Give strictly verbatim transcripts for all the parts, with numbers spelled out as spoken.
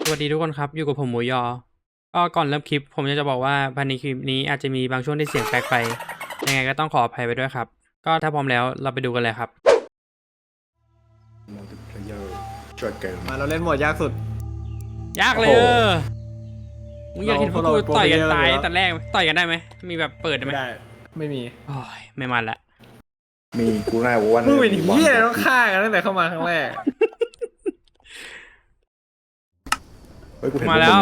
วัสดีทุกคนครับอยู่กับผมหมูยอก็ก่อนเริ่มคลิปผมอยากจะบอกว่าภายในคลิปนี้อาจจะมีบางช่วงที่เสียงแปลกไปยังไงก็ต้องขออภัยไปด้วยครับก็ถ้าพร้อมแล้วเราไปดูกันเลยครับ multiplayer ช่วยเกิมมาเราเล่นโหมดยากสุดยากเลยโอ้โหเออมึงอยากเห็นพวกกูเราเราต่อยกันโปรเพลเยอร์ตายอยู่แล้วแต่แรกไหมต่อยกันได้ไหมมีแบบเปิดได้ไหมไม่ได้ ไม่มีโอ้ยไม่มันละมีกูน่าว่ามึงเป็นมีเหี้ยต้องฆ่ากันตั้งแต่เข้ามาครั้งแรกเฮ้ยกูเห็นมาแล้วพก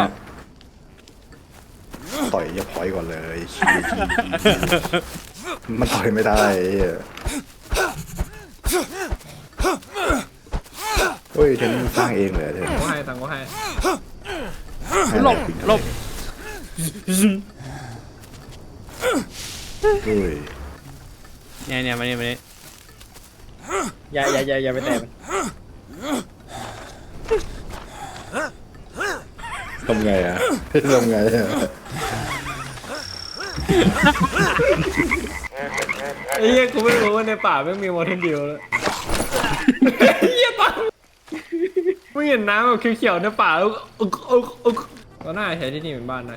มึงเนี่ยต่อยอย่าพอยก่อนเลยขี้ขี้มันต่อยไม่ได้ไอ้เหี้ยเฮ้ยเทนมึงสร้างเองเลยเทนก็ให้ตังค์ก็ให้หลบหลบเฮ้ยเนี่ยเนี่ยมาเนี่ยมาเนี่ยอย่าอย่าอย่าอย่าไปแตะมันทำไงอ่ะทำไงอ่ะไอ้เหี้ยกูไม่รู้ว่าในป่าไม่มีมอเทนดิวเลยเหี้ยตังค์มึงเห็นน้ำแบบเขียวๆในป่าแล้วอึกอึกอึกก็น่าใช้ที่นี่เป็นบ้านได้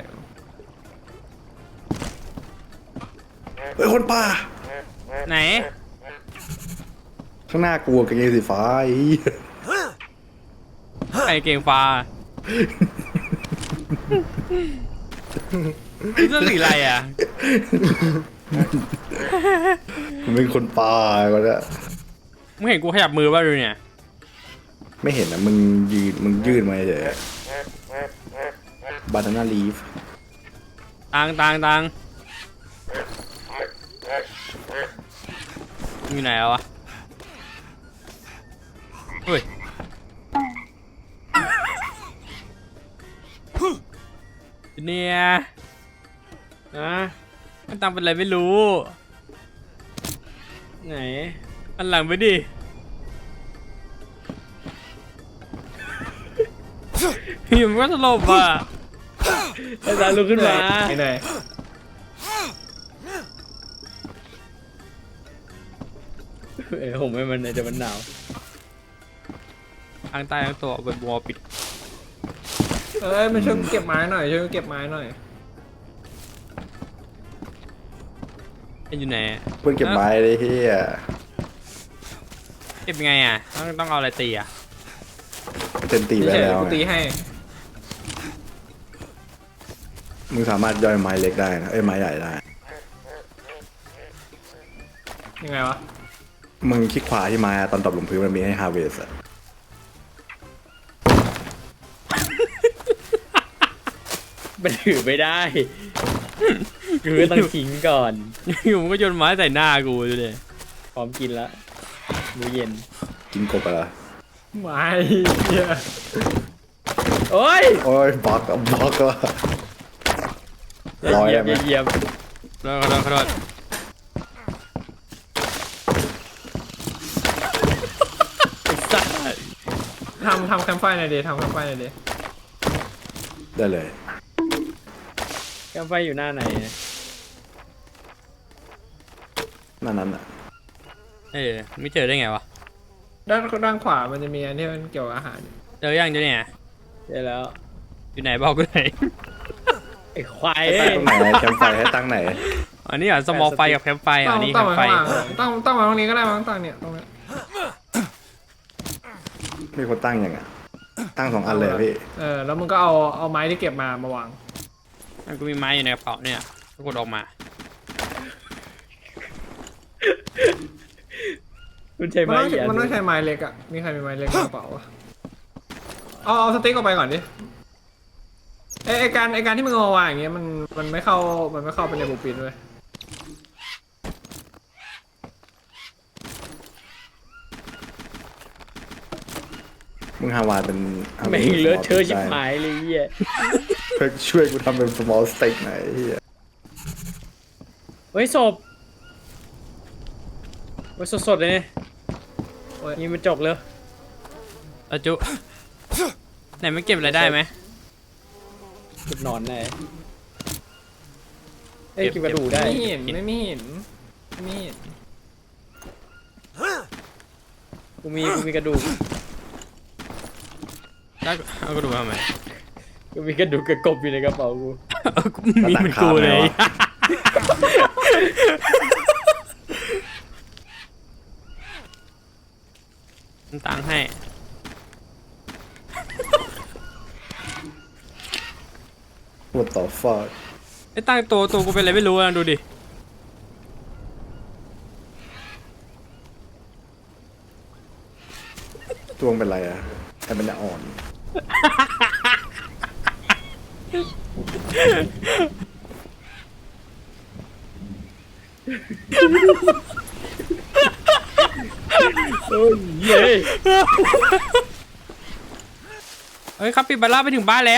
เฮ้ยคนป่าไหนข้างหน้ากูกางเกงสีฟ้าไอ้เหี้ยไอเก่งฟ้านี่เสื้อสีอะไรอ่ะกูเป็นคนป่าก็ได้มึงเห็นกูขยับมือป่ะดูเนี่ยไม่เห็นนะมึงยืนมึงยืนมาเฉยบานาน่าลีฟตังตังตังมึงอยู่ไหนแล้ววะเฮ้ยเนี่ยนะมันตังเป็นอะไรไม่รู้ไหนอันหลังไปดิอยู่มันก็สลบอ่ะไอ้ตาลุกขึ้นมาไอ้ไหนเออผมไม่มันเดี๋ยวมันหนาวทางใต้ทั้งตัวเป็นบัวปิดเอ้ยมาช่วยเก็บไม้หน่อยช่วยเก็บไม้หน่อยเป็นอยู่ไหนเพื่อนเก็บไม้เลยเฮียเก็บยังไงอ่ะต้องต้องเอาอะไรตีอ่ะเต็มตีไปเฉยแล้วๆกูไงตีให้มึงสามารถย่อยไม้เล็กได้นะเอ้ยไม้ใหญ่ได้ยังไงวะมึงคลิกขวาที่ไม้อะตอนตบลงพื้นมันมีให้ฮาร์เวสอะมันถือไม่ได้ คือต้องทิ้งก่อนอยู่มันก็โยนไม้ใส่หน้ากูดูดิพร้อมกินแล้วมื้อเย็นกินกบไปละไม้เหี้ยโอ้ยโอ้ยบล็อกอะบล็อกละร้อยเยี่ได้ยมไหมเยี่ยมขอโทษขอโทษขอโทษสัตว์ทำทำแคมป์ไฟหน่อยดิทำแคมป์ไฟหน่อยดิได้เลยกาไฟอยู่หน้าไหนนั่นนั้นอะเออไม่เจอได้ไงวะด้านด้านขวามันจะมีอันที่มันเกี่ยวกับอาหารเจอยังเจอเนี่ยใช่แล้วอยู่ไหนบอกกูหน่อยไอ้ควายให้เอ้ตั้งยตรงไหนแคมป์ไฟให้ตั้งไหนอันนี้อ่ะสมอลไฟกับแคมป์ไฟตั้อังนนี้แคตั้งมมาป์ไฟข้างหลังตั้งตั้งมาตรงนี้ก็ได้มั้งตั้งเนี่ยตรงเนี้ยมีคนตั้งยังอะตั้งสองอันเลยอะพี่เออแล้วมึงก็เอาเอาไม้ที่เก็บมามาวางมันก็มีไม้อยู่ในกระเป๋าเนี่ยก็กดออกมาคุณใช้มันไม้ต้องเหยียมันต้องใช้ไม้เล็กอ่ะมีใครมีไม้เล็กในกระเป๋าอะเอาเอาสติ๊กออกไปก่อนดิไอไอการไอการที่มึงเอามาวางอย่างเงี้ยมันมันไม่เข้ามันไม่เข้าไปในบูปินด้วยมึงฮาวาเป็นแม่งเลอะเทอะชิบหายเลยเหี้ยเพื่อช่วยกูทำเป็น small steak หน่อยไอ้เฮียเฮ้ยศพเฮ้ยสดๆเลยเนี่ยโอ้ยนี่มันจกเลยแล้วจุไหนไม่เก็บอะไรได้ไหมเก็บหนอนได้เอ้ยเก็บกระดูกได้ไม่เห็นไม่เห็นไม่เห็นกูมีกูมีกระดูกแล้วเอากระดูกมาทำไมก็มีกระดูกกระกบอยู่ในกระเป๋ากูเออมีเหมือนกูเลย ตังค์ให้ What the fuck ไอ้ตั้งตัวตัวกูเป็นอะไรไม่รู้นะดูดิตัวมึงเป็นไรอะแค่เป็นอ่อนโอ้ยเย้เฮ้ยครับปิบาร่าไปถึงบ้านแล้ว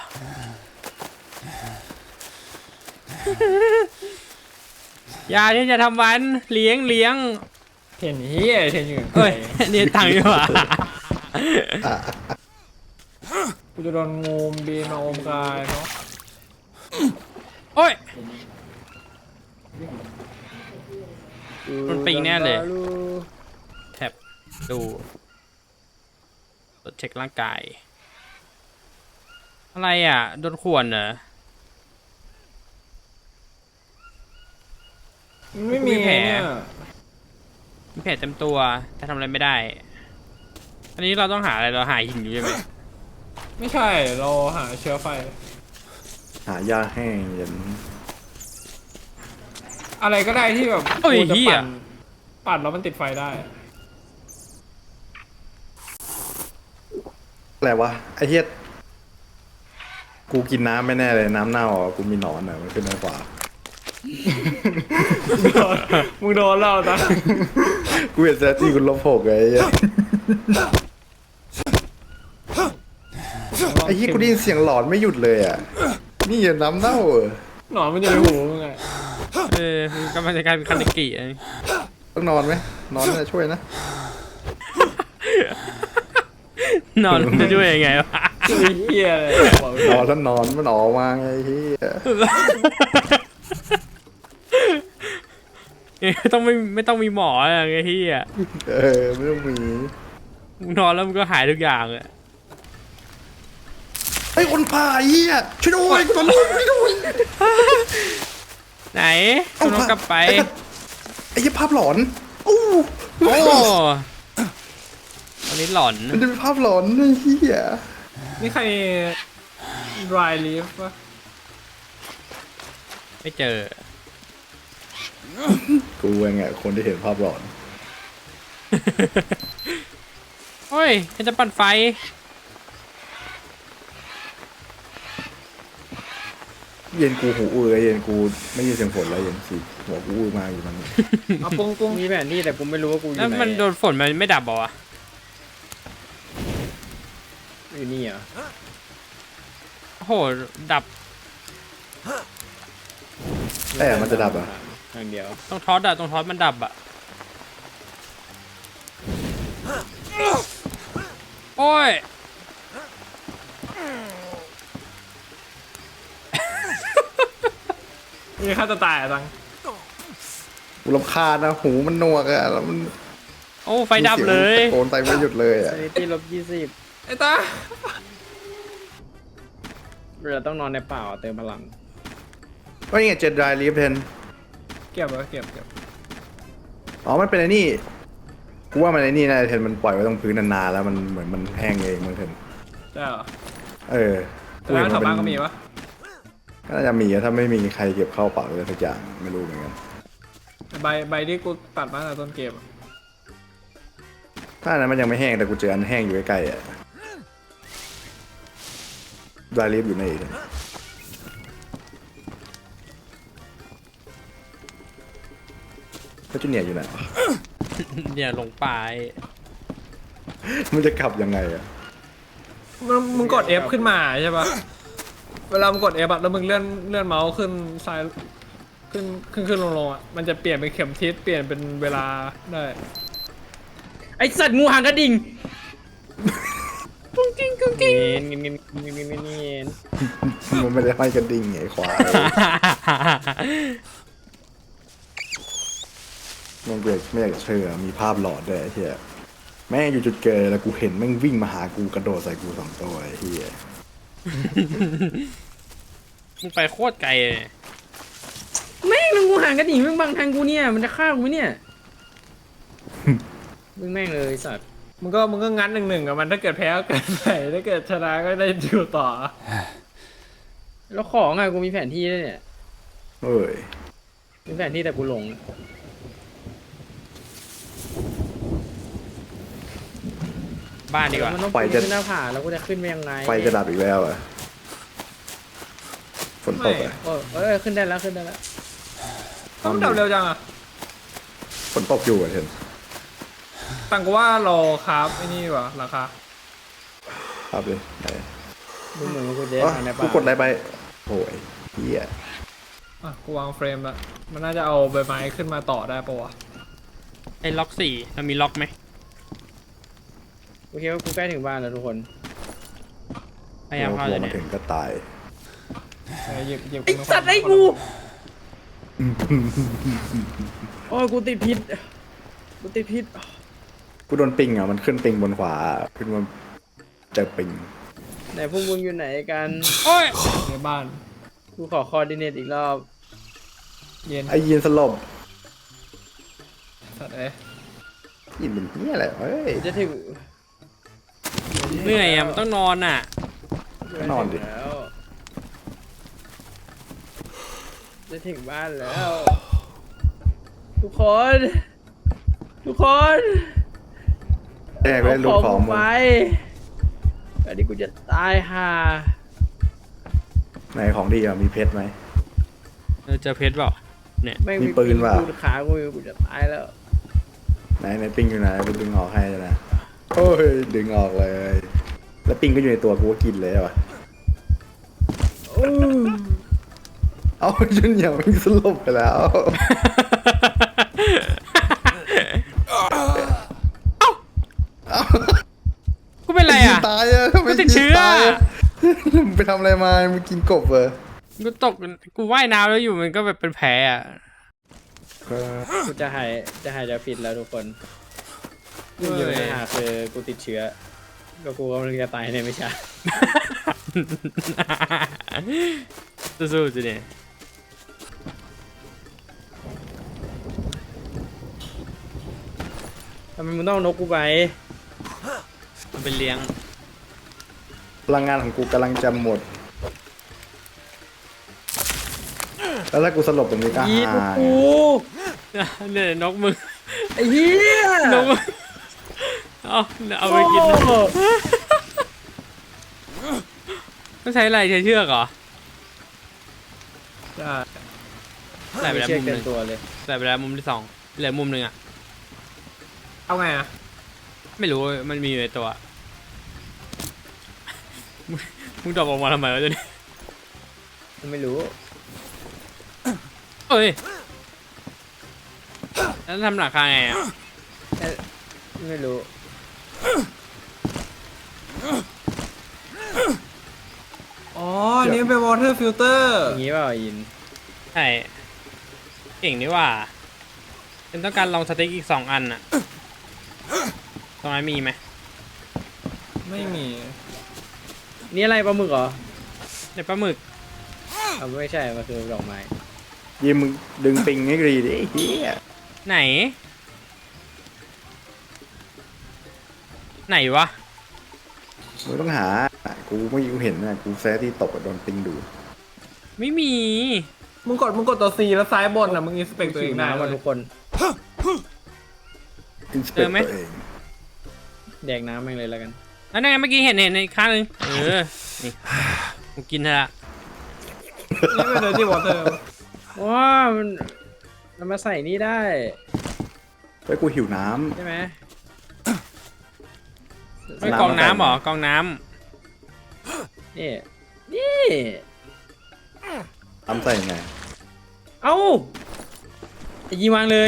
อย่าที่จะทำวันเลี้ยงเลี้ยงเห็นเฮียเห็นอยู่เอ้ย นี่ตังค์ดีกว่ากูจะโดนงูบีนมาอมกายเนาะโอ้ย มันปิงแน่เลย แท็บดูตรวจเช็คร่างกาย อะไรอ่ะ โดนข่วนเหรอมันไม่มีมีแผลเนี่ยมีแผลเต็มตัวแต่ทำอะไรไม่ได้ อันนี้เราต้องหาอะไรเราหาหินอยู่ใช่ไหมไม่ใช่เราหาเชื้อไฟหายาแห้งเย็นอะไรก็ได้ที่แบบโอ้ยกูจะเหี้ยปั่นปั่นแล้วมันติดไฟได้อะไรวะไอ้เหี้ยกูกินน้ำไม่แน่เลยน้ำเน่าอ่ะกูมีหนอนอ่ะมันขึ้นมาขวามึงโดนแล้วตากูเห็นแซจี้กูลบหกไอ้เหี้ยไอ้เหี้ยกูได้ยินเสียงหลอนไม่หยุดเลยอ่ะนี่อย่าน้ำเน่าเออหนอนมันอยู่ในหูมึงไงเออมันกำลังจะกลายเป็นคันดิกิอ่ะต้องนอนไหมนอนน่าจะช่วยนะนอนจะช่วยยังไงวะไอ้เฮียเลยบอกเลยนอนแล้วนอนมันออกมาไงไอ้เหี้ยเอ้ยต้องไม่ไม่ต้องมีหมออะไรที่อ่ะเออไม่ต้องมีมึงนอนแล้วมันก็หายทุกอย่างอ่ะไอ้คนผ่าไอ้เหี้ยช่วยด้วยกูโดนลูกช่วยด้วยไหนคุณต้องกลับไปไอ้เหี้ยภาพหลอนอู้โอ้วันนี้หลอนมันจะเป็นภาพหลอนไอ้เหี้ยนี่ใคร dry leaf ปะไม่เจอกูเองไงคนที่เห็นภาพหลอนโอ้ยฉันจะปั่นไฟเย็นกูหูอื้อเย็นกูไม่ยินเสียงฝนแล้วเย็นสิหัวกูอื้อมาอยู่มันเอาปุ้งปุ้งมีแผนที่แต่กูไม่รู้ว่ากูอยู่แล้วไหนมันโดนฝนมันไม่ดับบอกวะอยู่นี่เหรอโอ้โห ดับแต่มันจะดับอ่ะทางเดียวตรงทอสอะตรงทอสมันดับอะโอ้ยมีค่าจะตายอ่ะตังกูรำคาญนะหูมันหนวกอ่ะแล้วมันโอ้ไฟดับเลยมีสีงตะโกนไปไม่หยุดเลยอ่ะซนิตี้ลบยี่สิบไอ้ตาเราต้องนอนในป่าเติมพลังก็นี่ไงเจ็ดดรายลีฟเทนเก็บไว้เก็บเก็บอ๋อมันเป็นไอ้นี่กูว่ามันไอ้นี่นะเทนมันปล่อยไว้ตรงพื้นนานๆแล้วมันเหมือนมันแห้งเองมันเทนใช่เหรอเออแต่ร้านแถวบ้านก็มีปะก็น่าจะมีอะถ้าไม่มีใครเก็บเข้าเปล่าเลยสักอย่างไม่รู้เหมือนกันใบใบที่กูตัดมาตั้งแต่ต้นเกมอะถ้าอันนั้นมันยังไม่แห้งแต่กูเจออันแห้งอยู่ใกล้ๆอ่ะดรายลีฟอยู่ในอีกแล้วจูเนียร์อยู่ไหนวะเนี่ยลงไปมันจะกลับยังไงอ่ะมึงมึงกด F ขึ้นมาใช่ปะเวลามึงกด F อะแล้วมึงเลื่อนเลื่อนเมาส์ขึ้นซ้ายขึ้นขึ้นขึ้นลงลงอะมันจะเปลี่ยนเป็นเข็มทิศเปลี่ยนเป็นเวลาได้ไอสัตว์งูหางกระดิ่งกุ้งกิ้งกุ้งกิ้งเงี้ยเงี้ยเงี้ยเงี้ยเงี้ยเงี้ยมันไม่ได้ห้อยกระดิ่งไงควายมันเกิดไม่อยากจะเชื่อมีภาพหลอดด้วยไอ้เหี้ยแม่งอยู่จุดเกิดแล้วกูเห็นแม่งวิ่งมาหากูกระโดดใส่กูสองตัวไอ้เหี้ยมึงไปโคตรไกลเลยแม่งแล้วงูห่างกันอีกมึงบังทางกูเนี่ยมันจะฆ่ากูไหมเนี่ยมึงแม่งเลยไอ้สัตว์มึงก็มึงก็งัดหนึ่งหนึ่งกับมันถ้าเกิดแพ้ก็เกิดใส่ถ้าเกิดชนะก็ได้อยู่ต่อแล้วของอะกูมีแผนที่ด้วยเนี่ยเอ้ยมีแผนที่แต่กูหลงบ้านดีกว่ามันต้องปีนขึ้นหน้าผาแล้วกูจะขึ้นไปยังไงไฟจะดับอีกแล้วเหรอ่ะฝนตกอ่ะโอ้ยเอ้ยขึ้นได้แล้วขึ้นได้แล้วต้องดับเร็วจังอ่ะฝนตกอยู่อ่ะเห็นตังก็ว่ารอครับไอ้นี่วะราคาครับเลยไหนดูเหมือนว่ากูจะอ๋อทางในกูป่ากดอะไรไปโอ้ยเฮียอ่ะกูวางเฟรมละมันน่าจะเอาใบไม้ขึ้นมาต่อได้ปะวะไอ้ล็อกสี่มันมีล็อกไหมโอเคว่ากูใกล้ถึงบ้านแล้วทุกคนพยายามเข้าลเลยงมาเนี่ยถึงก็ตายเออหยิบหยิบไอสัตว์ไอ้กูโอ้ยกูติดพิษกูติดพิษกูโดนปิงอ่ะมันขึ้นปิงบนขวาขึ้นมาเจอปิงไหนพวกมึงอยู่ไหนกันโอ้ยในบ้านกูขอคอร์ดิเนตอีกรอบเย็นไอ้ยีนสลบสัตว์เอ้ยยีนเป็นเฮียอะไรเฮ้ยจะถึงเหนื่อยอ่ะมันต้องนอนอ่ะนอนดิแล้วจะถึงบ้านแล้ว ทุกคน ทุกคนแอกไว้ลูกของกูมึงไปอันนี้กูจะตายห่าไหนของดีอ่ะมีเพชรไหมเออเจอเพชรเปล่าเนี่ยแม่งมีปืนว่ะกูขากูอยู่กูจะตายแล้วไหนไหนปิงอยู่ไหนไปดึงออกให้นะโอ้ยดึงออกเลย แล้วปิงก็อยู่ในตัวกูก็กินเลยว่ะอู้เอาจนอย่างมันสลบไปแล้วกูเป็นไรอ่ะตายอ่ะทำไมกูติดเชื้อตายะมึงไปทำอะไรมามึงกินกบเหรอกูตกกูว่ายน้ำแล้วอยู่มันก็แบบเป็นแผลอ่ะเออกูจะหายจะหายจะผิดแล้วทุกคนเฮ้ยอยู่ในหาคือกูติดเชื้อ ก็กูกำลังจะตายในไม่ช้าสู้ๆสิเนี่ยทำไมมึงต้องเอานกกูไปมันเป็นเลี้ยงพลังงานของกูกำลังจะหมด แล้วถ้ากูสลบตรงนี้ก็ยีนหายกูเนี่ยนกมึงไอ้เหี้ยนกมึงเอาเอาไปกินโอ้ต้องใช้อะไรใช้เชือกเหรอได้ใส่ไปแล้วเชือมุกมหเต็นึ่มงตัวเลยใส่ไปแล้วมุมที่สองเหลือมุมหนึ่งอ่ะเอาไงอ่ะไม่รู้มันมีอยู่ในตัว มึงมึงดรอปออกมาทำไมวะเจ้านี่กูไม่รู้เอ้ยแล้วทำหลังคาไงอ่ะเอ๊ะไม่รู้อ๋ออันนี่เป็น water filter อย่างงี้เปล่ายินใช่เก่งนี่หว่าเป็นต้องการลองสเต็กอีกสองอันอ่ะตรงนั้นมีไหมไม่มีนี่อะไรปลาหมึกเหรอในปลาหมึกเอาไม่ใช่ มันคือดอกไม้ยีมึงดึงปิงให้ดีดิไอ้เฮียไหน ไหนวะมึงต้องหา กูไม่กูเห็นนะกูแซะที่ตกอะโดนปิงดูดไม่มีมึงกดมึงกดตัว C แล้วซ้ายบนอ่ะมึงอินสเปกตัวเองได้น้ำเลมันยทุกคนอินสเปเจกอไหมตัวเองแดกน้ำแม่งเลยแล้วกันแล้วนั่นไงเมื่อกี้เห็นเห็นในอีกข้างหนึงเออ นี่กูกินเถอะละนี่เป็น dirty water ว้ามันมันมาใส่นี่ได้เฮ้ยกูหิวน้ใช่ไหมไม่กรองน้ำเหรอกรองน้นี่ นี่ำน้ำใส่ไงเอ้าไอ้ยีวางเลย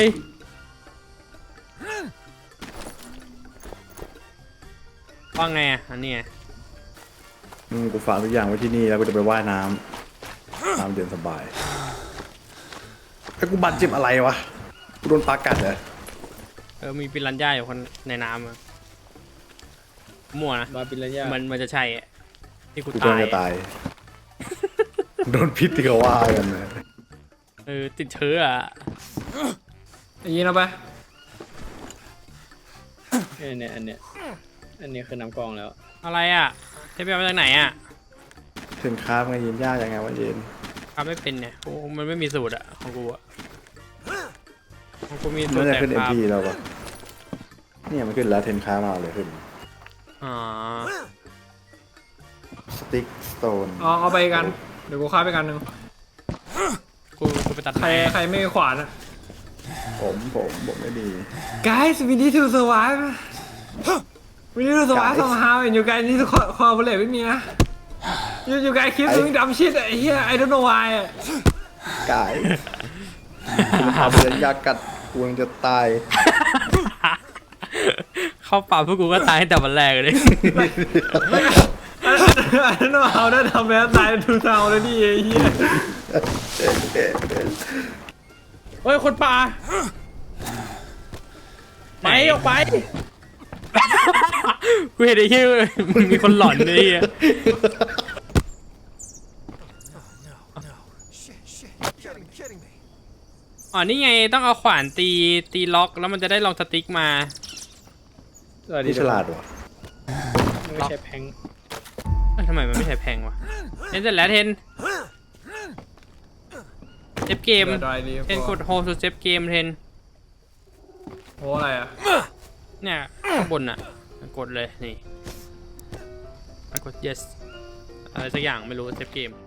ำว่าไงอ่ะอันนี้ไงอืมกูฝากทุกอย่างไว้ที่นี่แล้วกูจะไปว่ายน้ำน้ำเย็นสบายไอ้กูบาดเจ็บอะไรวะ กูโดนปลากัดเหรอเออมีปิรันย่าอยู่คนในน้ำอะมั่วนะมาปิรัญญามันมันจะใช่อะที่กูกูตาจะยจะตาย โดนพิษที่เขาว่ากันนะเออติดเชื้ออะไอ้ยีนเอาไปเออเนี่ยอันเนี้ยอันนี้คือน้ำกรองแล้วอะไรอ่ะเทปเอามาจากไหนอ่ะถึงค้ามันยินยากยังไงวะเย็นทำไม่เป็นเนี่ยกูมันไม่มีสูตรอ่ะของกูอ่ะของกูมีสูมัตนรจะแต่ขึ้นคเอ็มรับพีเราปะเนี่ยมันขึ้นแล้วเทนค้ามาเลยขึ้นอ๋อสติ๊กสโตนเอาเอาไปกัน เดี๋ยวกูฆ่าไปกันหนึ่งกูกูไปตัดใครไม้ใครไม่มีขวานอะผมผมผมไม่ดี Guys we need to survive we need to survive Guys. somehow and you guys need to co- cooperate with me นะ you you guys keep doing dumb shit ไอ้เหี้ย I don't know why อะกายคุณพาไปเดินยากัดกูยังจะตายเข้าป่าพวกกูก็ตายตั้งแต่วันแรกเลย I don't know how that happened ตายทูซาวเลยดิไอ้เหี้ยเฮ้ยคนป่าไปออกไปกูเห็นไอ้เหี้ยมึงมีคนหลอนไอ้เหี้ยอ๋อนี่ไงต้องเอาขวานตีตีล็อกแล้วมันจะได้ลองสติ๊กมาสวัสดีนี่ฉลาดว่ะไม่ใช่แพงเอ้ยทำไมมันไม่ใช่แพงวะเทนเสร็จแล้วเทนเซฟเกมดอยดีเทนกดโฮสุดเซฟเกมเทนโอ้อะไรอะเนี่ยข้างบนอ่ะกดเลยนี่กด yes อะไรสักอย่างไม่รู้เซฟเกม